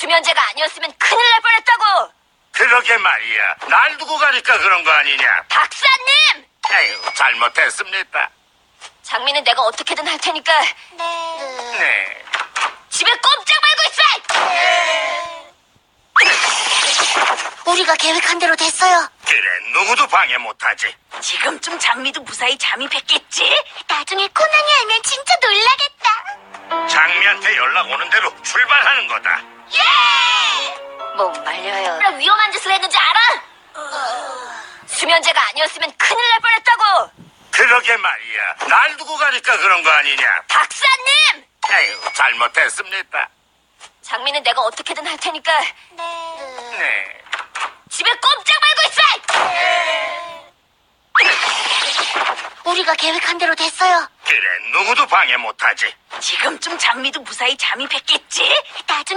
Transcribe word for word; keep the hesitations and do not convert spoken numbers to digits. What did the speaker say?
수면제가 아니었으면 큰일 날 뻔했다고. 그러게 말이야. 날 두고 가니까 그런 거 아니냐. 박사님! 에휴, 잘못했습니다. 장미는 내가 어떻게든 할 테니까 네. 네. 집에 꼼짝 말고 있어! 우리가 계획한 대로 됐어요. 그래, 누구도 방해 못하지. 지금쯤 장미도 무사히 잠입했겠지? 나중에 코난이 알면 진짜 놀라겠다. 장미한테 연락 오는 대로 출발하는 거다. 예! 못 말려요. 얼마나 위험한 짓을 했는지 알아? 수면제가 아니었으면 큰일 날 뻔했다고. 그러게 말이야. 날 두고 가니까 그런 거 아니냐. 박사님! 에휴, 잘못했습니다. 장미는 내가 어떻게든 할 테니까 네. 네. 집에 꼼짝 말고 있어! 우리가 계획한 대로 됐어요. 그래, 누구도 방해 못하지. 지금쯤 장미도 무사히 잠입했겠지? 나중에